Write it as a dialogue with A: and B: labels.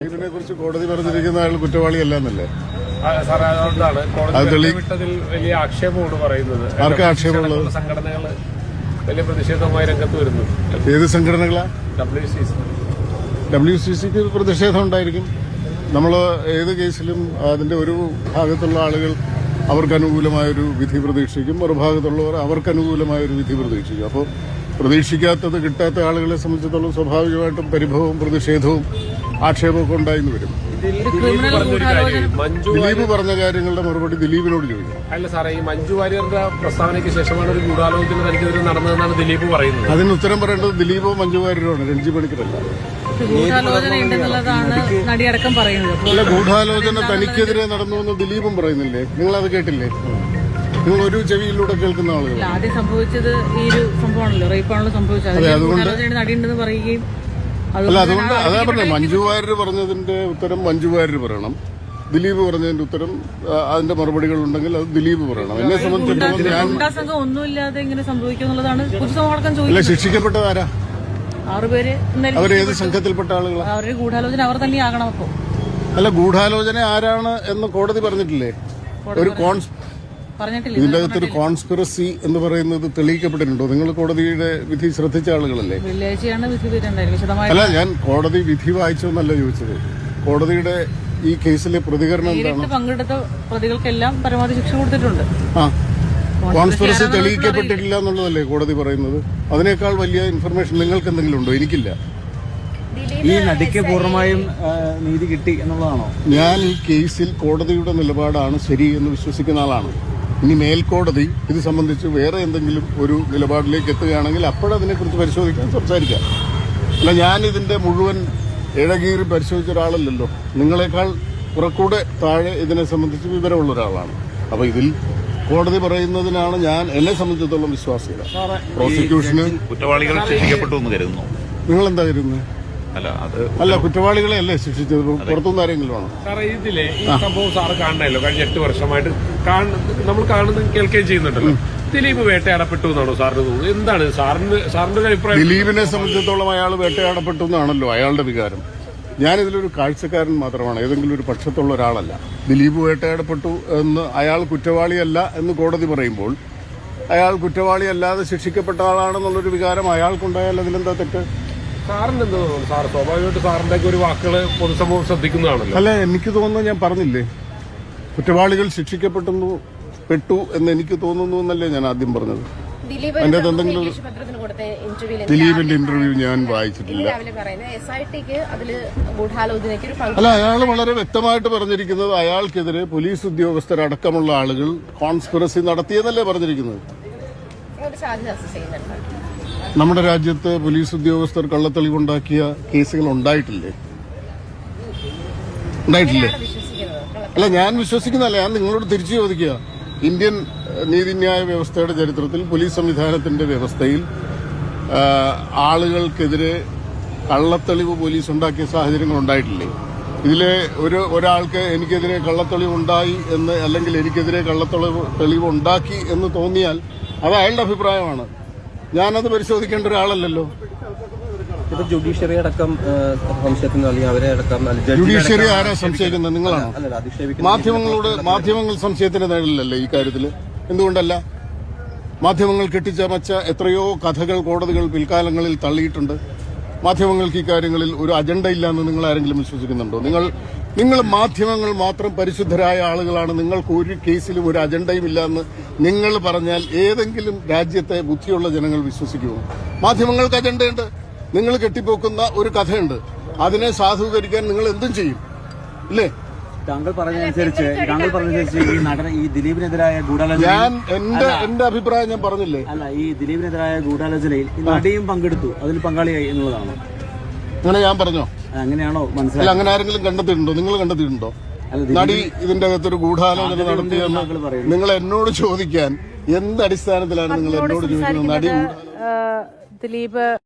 A: ഇതിനെ കുറിച്ച് കോടതി പറഞ്ഞിരിക്കുന്ന അയാൾ കുറ്റവാളിയല്ലെന്നല്ലേ?
B: സാറേ, അതുകൊണ്ടാണ് കോടതി വിട്ടതിൽ വലിയ ആക്ഷേപമാണ് പറയുന്നത്.
A: ആർക്കാ ആക്ഷേപമുള്ളത്?
B: സംഘടനകൾ വലിയ പ്രതിഷേധവുമായി രംഗത്ത് വരുന്നു.
A: ഏത് സംഘടനകളാ?
B: WCC
A: പ്രതിഷേധം ഉണ്ടായിരിക്കും. നമ്മൾ ഏത് കേസിലും അതിന്റെ ഒരു ഭാഗത്തുള്ള ആളുകൾ അവർക്ക് അനുകൂലമായൊരു വിധി പ്രതീക്ഷിക്കും, മറുഭാഗത്തുള്ളവർ അവർക്ക് അനുകൂലമായൊരു വിധി പ്രതീക്ഷിക്കും. അപ്പോൾ പ്രതീക്ഷിക്കാത്തത് കിട്ടാത്ത ആളുകളെ സംബന്ധിച്ചിടത്തോളം സ്വാഭാവികമായിട്ടും പരിഭവവും പ്രതിഷേധവും ആക്ഷേപമൊക്കെ ഉണ്ടായിന്ന് വരും. ദിലീപ് പറഞ്ഞ കാര്യങ്ങളുടെ മറുപടി ദിലീപിനോട് ചോദിക്കും.
B: അല്ല സാറേ, ഈ മഞ്ജു വാര്യരുടെ പ്രസ്താവനയ്ക്ക് ശേഷമാണ് ഒരു ഗൂഢാലോചന തനിക്കെതിരെ നടന്നതെന്നാണ് ദിലീപ് പറയുന്നത്.
A: അതിന് ഉത്തരം പറയേണ്ടത് ദിലീപോ മഞ്ജു വാര്യരോണ്, രഞ്ജി പണിക്കരല്ല. അല്ല, ഗൂഢാലോചന തനിക്കെതിരെ നടന്നു എന്ന് ദിലീപും പറയുന്നില്ലേ? നിങ്ങളത് കേട്ടില്ലേ? നിങ്ങൾ ഒരു ചെവിയിലൂടെ കേൾക്കുന്ന ആളുകൾ.
C: ആദ്യം സംഭവിച്ചത് ഈ ഒരു സംഭവമാണല്ലോ, റേപ്പാണല്ലോ സംഭവിച്ചത്. നടിയുണ്ടെന്ന് പറയുകയും
A: അല്ല, അതുകൊണ്ട് അതാ പറഞ്ഞത്, മഞ്ജു വാര്യർ പറഞ്ഞതിന്റെ ഉത്തരം മഞ്ജു വാര്യർ പറയണം, ദിലീപ് പറഞ്ഞതിന്റെ ഉത്തരം അതിന്റെ മറുപടികൾ ഉണ്ടെങ്കിൽ അത് ദിലീപ് പറയണം. എന്നെ സംബന്ധിച്ചിടത്തോളം ഞാൻ
C: ഒന്നുമില്ലാതെ ഇങ്ങനെ സംഭവിക്കുന്നുള്ളതാണ് പൊതുസമൂഹം
A: ചോദിക്കുന്നത്. ശിക്ഷിക്കപ്പെട്ടത് ആരാ?
C: 6 പേര്.
A: അവരേത് സംഘത്തിൽപ്പെട്ട ആളുകളാണ്?
C: അവരുടെ ഗൂഢാലോചന അവർ തന്നെയാകണം. അപ്പോ
A: അല്ല, ഗൂഢാലോചന ആരാണ് എന്ന് കോടതി പറഞ്ഞിട്ടില്ലേ? ഒരു ഇതിന്റെ അകത്തൊരു കോൺസ്പിറസി എന്ന് പറയുന്നത് തെളിയിക്കപ്പെട്ടിട്ടുണ്ടോ? നിങ്ങൾ കോടതിയുടെ വിധി ശ്രദ്ധിച്ച ആളുകളല്ലേ? അല്ല, ഞാൻ കോടതി വിധി വായിച്ചോന്നല്ല ചോദിച്ചത്. കോടതിയുടെ ഈ കേസിലെ പ്രതികരണം എന്താണ്?
C: പങ്കെടുത്ത പ്രതികൾക്കെല്ലാം പരമാവധി ശിക്ഷ കൊടുത്തിട്ടുണ്ട്.
A: കോൺസ്പിറസി തെളിയിക്കപ്പെട്ടിട്ടില്ല എന്നുള്ളതല്ലേ കോടതി പറയുന്നത്? അതിനേക്കാൾ വലിയ ഇൻഫർമേഷൻ നിങ്ങൾക്ക് എന്തെങ്കിലും ഉണ്ടോ? എനിക്കില്ല.
D: ഈ നടിക്ക് പൂർണ്ണമായും നീതി കിട്ടി എന്നുള്ളതാണോ?
A: ഞാൻ ഈ കേസിൽ കോടതിയുടെ നിലപാടാണ് ശരി എന്ന് വിശ്വസിക്കുന്ന ആളാണ്. ഇനി മേൽക്കോടതി ഇത് സംബന്ധിച്ച് വേറെ എന്തെങ്കിലും ഒരു നിലപാടിലേക്ക് എത്തുകയാണെങ്കിൽ അപ്പോഴതിനെക്കുറിച്ച് പരിശോധിക്കാൻ സംസാരിക്കാം. അല്ല, ഞാൻ ഇതിന്റെ മുഴുവൻ ഇഴകീറി പരിശോധിച്ച ഒരാളല്ലല്ലോ. നിങ്ങളെക്കാൾ കുറക്കൂടെ താഴെ ഇതിനെ സംബന്ധിച്ച് വിവരമുള്ള ഒരാളാണ്. അപ്പൊ ഇതിൽ കോടതി പറയുന്നതിനാണ് ഞാൻ എന്നെ സംബന്ധിച്ചിടത്തോളം വിശ്വാസികൾ. പ്രോസിക്യൂഷന്
E: കുറ്റവാളികൾ ശിക്ഷിക്കപ്പെട്ടു എന്ന് കരുതുന്നു.
A: നിങ്ങൾ എന്താ കരുതുന്നത്? അല്ല, കുറ്റവാളികളെ അല്ലേ ശിക്ഷിച്ചത്? പുറത്തുനിന്ന് ആരെങ്കിലും ആണ്?
B: സാറേ, ഇതിലെ ഈ സംഭവം സാറ് കാണണല്ലോ, കഴിഞ്ഞ 8 വർഷമായിട്ട് നമ്മൾ കാണുന്നത് കേൾക്കുകയും ചെയ്യുന്നുണ്ടല്ലോ. ദിലീപ് വേട്ടയാടപ്പെട്ടു എന്നാണോ സാറിന് തോന്നുന്നത്? എന്താണ് സാറിന്റെ അഭിപ്രായം?
A: ദിലീപിനെ സംബന്ധിച്ചിടത്തോളം അയാൾ വേട്ടയാടപ്പെട്ടു എന്നാണല്ലോ അയാളുടെ വികാരം. ഞാനിതിലൊരു കാഴ്ചക്കാരൻ മാത്രമാണ്, ഏതെങ്കിലും ഒരു പക്ഷത്തുള്ള ഒരാളല്ല. ദിലീപ് വേട്ടയാടപ്പെട്ടു എന്ന് അയാൾ കുറ്റവാളിയല്ല എന്ന് കോടതി പറയുമ്പോൾ അയാൾ കുറ്റവാളിയല്ലാതെ ശിക്ഷിക്കപ്പെട്ട ആളാണെന്നുള്ളൊരു വികാരം അയാൾക്കുണ്ടായാൽ അതിലെന്താ തെറ്റ്?
B: സാറിന് എന്ത് തോന്നുന്നു? സാർ സ്വാഭാവികമായിട്ട് സാറിന്റെ ഒരു വാക്കുകൾ പൊതുസമൂഹം ശ്രദ്ധിക്കുന്നതാണല്ലോ.
A: അല്ല, എനിക്ക് തോന്നുന്നു, ഞാൻ പറഞ്ഞില്ലേ, കുറ്റവാളികൾ ശിക്ഷിക്കപ്പെട്ടു എന്ന് എനിക്ക് തോന്നുന്നു എന്നല്ലേ ഞാൻ ആദ്യം പറഞ്ഞത്. അതിന്റെ എന്തെങ്കിലും ദിലീപിന്റെ ഇന്റർവ്യൂ ഞാൻ വായിച്ചിട്ടില്ല. അല്ല, അയാൾ വളരെ വ്യക്തമായിട്ട് പറഞ്ഞിരിക്കുന്നത് അയാൾക്കെതിരെ പോലീസ് ഉദ്യോഗസ്ഥരടക്കമുള്ള ആളുകൾ കോൺസ്പിറസി നടത്തിയെന്നല്ലേ പറഞ്ഞിരിക്കുന്നത്. നമ്മുടെ രാജ്യത്ത് പോലീസ് ഉദ്യോഗസ്ഥർ കള്ളത്തെളിവുണ്ടാക്കിയ കേസുകൾ ഉണ്ടായിട്ടില്ലേ? അല്ല, ഞാൻ വിശ്വസിക്കുന്നതല്ല, ഞാൻ നിങ്ങളോട് തിരിച്ചു ചോദിക്കുക. ഇന്ത്യൻ നീതിന്യായ വ്യവസ്ഥയുടെ ചരിത്രത്തിൽ പോലീസ് സംവിധാനത്തിന്റെ വ്യവസ്ഥയിൽ ആളുകൾക്കെതിരെ കള്ളത്തെളിവ് പോലീസ് ഉണ്ടാക്കിയ സാഹചര്യങ്ങൾ ഉണ്ടായിട്ടില്ലേ? ഇതിലെ ഒരാൾക്ക് എനിക്കെതിരെ കള്ളത്തെളിവ് ഉണ്ടായി എന്ന്, അല്ലെങ്കിൽ എനിക്കെതിരെ കള്ളത്തെളിവ് ഉണ്ടാക്കി എന്ന് തോന്നിയാൽ അത് അയാളുടെ അഭിപ്രായമാണ്. ഞാനത് പരിശോധിക്കേണ്ട ഒരാളല്ലല്ലോ.
D: ഇപ്പൊ ജുഡീഷ്യറി അടക്കം സംശയത്തിന് അവരെ അടക്കം.
A: ജുഡീഷ്യറി ആരാ സംശയിക്കുന്നത്? നിങ്ങളാണോ? മാധ്യമങ്ങൾ സംശയത്തിന് നേരില്ലല്ലേ ഈ കാര്യത്തിൽ? എന്തുകൊണ്ടല്ല? മാധ്യമങ്ങൾ കെട്ടിച്ചമച്ച എത്രയോ കഥകൾ കോടതികൾ പിൽക്കാലങ്ങളിൽ തള്ളിയിട്ടുണ്ട്. മാധ്യമങ്ങൾക്ക് ഈ കാര്യങ്ങളിൽ ഒരു അജണ്ട ഇല്ലാന്ന് നിങ്ങൾ ആരെങ്കിലും വിശ്വസിക്കുന്നുണ്ടോ? നിങ്ങൾ മാധ്യമങ്ങൾ മാത്രം പരിശുദ്ധരായ ആളുകളാണ്, നിങ്ങൾക്ക് ഒരു കേസിലും ഒരു അജണ്ടയും ഇല്ലാന്ന് നിങ്ങൾ പറഞ്ഞാൽ ഏതെങ്കിലും രാജ്യത്തെ ബുദ്ധിയുള്ള ജനങ്ങൾ വിശ്വസിക്കുമോ? മാധ്യമങ്ങൾക്ക് അജണ്ടയുണ്ട്. നിങ്ങൾ കെട്ടിപ്പോക്കുന്ന ഒരു കഥയുണ്ട്, അതിനെ സാധൂകരിക്കാൻ നിങ്ങൾ എന്തും ചെയ്യും, ഇല്ലേ?
D: താങ്കൾ പറഞ്ഞതനുസരിച്ച് ഈ ദിലീപിനെതിരായ ഗൂഢാലോചന,
A: ഞാൻ എന്റെ അഭിപ്രായം ഞാൻ പറഞ്ഞില്ലേ?
D: അല്ല, ഈ ദിലീപിനെതിരായ ഗൂഢാലോചനയിൽ നടിയും പങ്കെടുത്തു, അതിൽ പങ്കാളിയായി എന്നുള്ളതാണ്.
A: അങ്ങനെ ഞാൻ പറഞ്ഞോ?
D: അങ്ങനെയാണോ മനസ്സിലായി?
A: അങ്ങനെ ആരെങ്കിലും കണ്ടെത്തിയിട്ടുണ്ടോ? നിങ്ങൾ കണ്ടെത്തിയിട്ടുണ്ടോ നടി ഇതിന്റെ അകത്തൊരു ഗൂഢാലോചന നടത്തിയെന്ന് നിങ്ങൾ എന്നോട് ചോദിക്കാൻ എന്ത് അടിസ്ഥാനത്തിലാണ് നിങ്ങൾ എന്നോട് ചോദിക്കുന്നത്? നടി
C: ദിലീപ്